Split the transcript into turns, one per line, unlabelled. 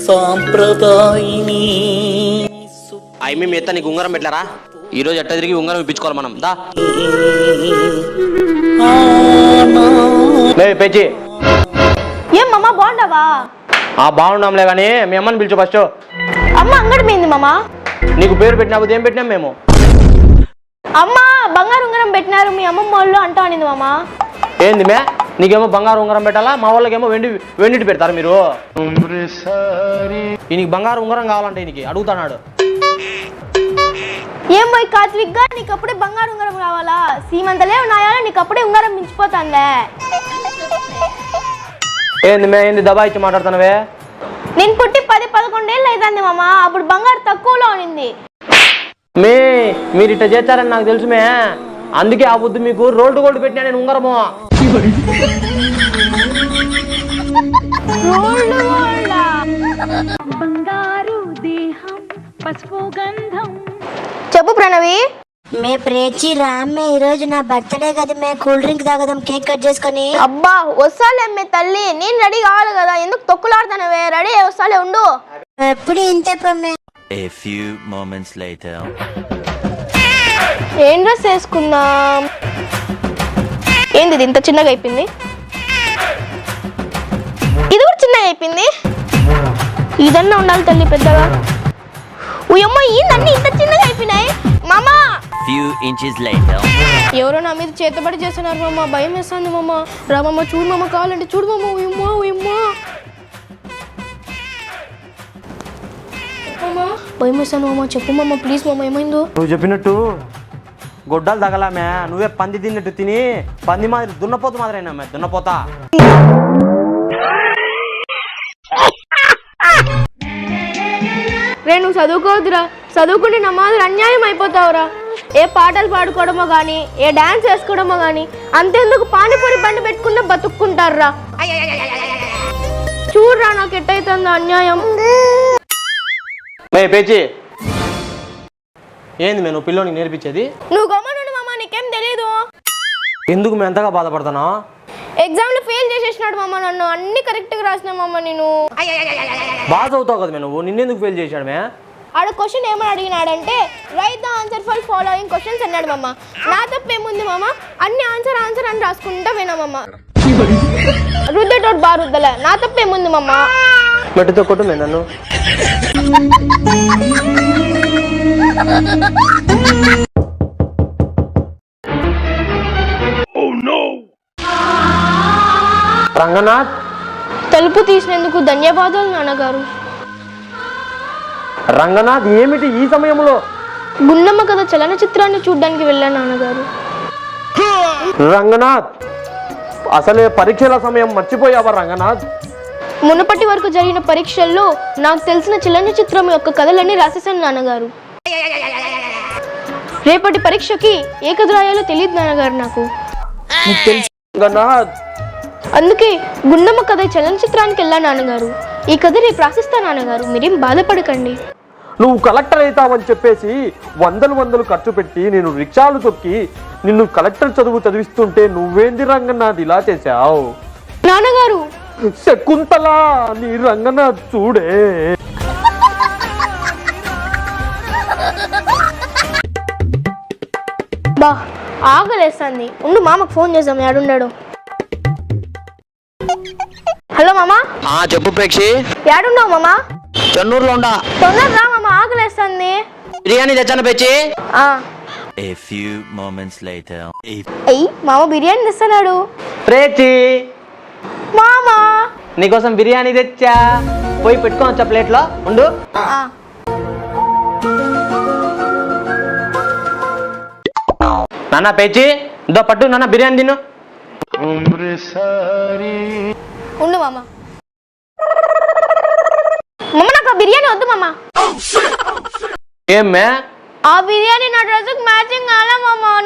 సాంప్రదాయిని
మీ ఎత్త నీకు ఉంగరం పెట్టారా? ఈరోజు ఎట్ట తిరిగి ఉంగరం ఇప్పించుకోవాలి మనం. దా పెంచి
ఏం మామ బాగుండవా?
బాగున్నాంలే కానీ మీ అమ్మని పిలిచు ఫస్ట్.
అమ్మ అంగడి పోయింది మామ.
నీకు పేరు పెట్టినా ఏం పెట్టినాం మేము?
అమ్మ బంగారు ఉంగరం పెట్టినారు మీ అమ్మమ్మ వాళ్ళు అంటా అనింది మామ.
ఏంది మే? నీకేమో బంగారు ఉంగరం పెట్టాలా, మా వాళ్ళకేమో వెండిటి పెడతారు మీరు. ఈయనకి బంగారు ఉంగరం కావాలంటే ఈయనకి అడుగుతాడు.
ఏం పోయి కాత్విక్గా నీకు అప్పుడే బంగారు ఉంగరం కావాలా? సీమంతలే ఉన్నాయా నీకు అప్పుడే ఉంగరం మించిపోతాందే.
ఏంది మే? ఏంది దబాయిచ్చి మాట్లాడుతున్నావే?
నేను పుట్టి 10-11 ఏళ్ళు అవుతుంది మామ. అప్పుడు బంగారు తక్కువలో ఉన్నింది.
మీరు ఇట్లా చేస్తారని నాకు తెలుసు మే. అందుకే ఆ బుద్ధి మీకు రోల్డ్ గోల్డ్ పెట్టినా నేను ఉంగరము.
చెప్పు ప్రణవి.
మే ప్రేచి రామ్మే ఈ రోజు నా బర్త్డే కదా మే, కూల్ డ్రింక్ తాగదాం కేక్ కట్ చేసుకొని.
అబ్బా వస్తాలే అమ్మే తల్లి, నేను రెడీ కావాలి కదా, ఎందుకు తొక్కులాడుతానవే? రెడీ వస్తాలే ఉండు.
ఎప్పుడు ఇంతే పమ్మే.
A few moments later.
ఏం డ్రెస్ వేసుకుందాం? ఏంది ఇంత చిన్నగా అయిపోయింది? ఇది కూడా చిన్నగా అయిపోయింది. ఇదన్నా ఉండాలి తల్లి పెద్దగా. ఉయమ్మ ఏందన్నీ ఇంత చిన్నగా అయిపోయినాయి మామా.
Few inches later.
ఎవరో నా మీద చేతబడి చేస్తున్నారు మామ, భయం వేస్తుంది మామ. రా మామ చూడు మామ, కావాలంటే చూడు మామ. ఉయమ్మా ఉయమ్మా భయం వేస్తాను మామ. చెప్పు మామ ప్లీజ్ మామ, ఏమైందో?
నువ్వు చెప్పినట్టు గొడ్డలు తగలామే. నువ్వే పంది తిన్నట్టు తిని పంది మాదిరి దున్నపోతు మాదిరైనా మే, దున్నపోతా.
రే నువ్వు చదువుకోవద్దురా, చదువుకుంటే నా మాదిరి అన్యాయం అయిపోతావురా. ఏ పాటలు పాడుకోవడమో కానీ, ఏ డాన్స్ వేసుకోవడమో కానీ, అంతేందుకు పానీపూరి బండి పెట్టుకున్న బతుక్కుంటారా. చూడరా నాకు ఎట్టయితుందో అన్యాయం.
పేచి ఏంది మే నువ్వు పిల్లోనికి నేర్పించేది?
నువ్వు గమ్మనుండు మామ, నీకేం తెలీదు.
ఎందుకు మేము ఎంతగా బాధపడతానా?
ఎగ్జామ్లో ఫెయిల్ చేసేసినాడు మామ నన్ను. అన్ని కరెక్ట్గా రాసిన మామ నేను.
బాగా చదువుతావు కదా మే నువ్వు, నిన్నెందుకు ఫెయిల్ చేశాడు మే?
ఆడ క్వశ్చన్ ఏమని అడిగినాడంటే write the answer for following questions అన్నాడు మామ. నా తప్పేముంది మామ, అన్ని ఆన్సర్ ఆన్సర్ అని రాసుకుంటా పోయినా మామ. రుద్దేటోడు బాగా రుద్దలే, నా తప్పేముంది మామ.
మెట్టుతో కొట్టు మే నన్ను. రంగనాథ్,
తలుపు తీసినందుకు ధన్యవాదాలు నాన్నగారు.
రంగనాథ్ ఏమిటి ఈ సమయంలో?
గుండమ్మ కథ చలనచిత్రాన్ని చూడ్డానికి వెళ్ళాను నాన్నగారు.
రంగనాథ్, అసలే పరీక్షల సమయం మర్చిపోయావా రంగనాథ్?
మునుపటి వరకు జరిగిన పరీక్షల్లో నాకు తెలిసిన చలనచిత్రం యొక్క కథలన్నీ రాసేసాను నాన్నగారు. రేపటి పరీక్షకి ఏ కథ రాయాలో తెలియదు నాన్నగారు నాకు.
రంగనాథ్,
అందుకే గుండమ్మ కథ చలనచిత్రానికి వెళ్ళా నాన్నగారు. ఈ కథ రేపు రాసిస్తా నాన్నగారు, మీరేం బాధపడకండి.
నువ్వు కలెక్టర్ అవుతావని చెప్పేసి వందలు ఖర్చు పెట్టి నేను రిక్షాలు తొక్కి నిన్ను కలెక్టర్ చదువు చదివిస్తుంటే నువ్వేంది రంగనాథ్ ఇలా చేశావు?
నాన్నగారు
శకుంతల నీ రంగనాథ్ చూడే.
బా ఆకలేస్తుంది, ఉండు మామకు ఫోన్ చేద్దాం. ఏడున్నాడు? హలో మామా.
చెప్పు ప్రేక్షి.
ఏడున్నావు మామా?
చెన్నూరులో ఉండా.
తొందర రా మామ, ఆకలేస్తుంది.
బిర్యానీ తెచ్చాను పెచ్చి.
A few moments later.
అయ్యి మామ బిర్యానీ తెస్తున్నాడు.
ప్రేక్షి
మామా
నీకోసం బిర్యానీ తెచ్చా, పోయి పెట్టుకోవచ్చా ప్లేట్లో? ఉండు. నాన్న పేచి దో పట్టు నాన్న బిర్యానీ తిను.
ఉండు మామ. మమ్మ నాకు ఆ బిర్యానీ వద్దు మామ.
ఏమ్మే?
ఆ బిర్యానీ నా డ్రెస్కి మ్యాచింగ్ కాలే మామ,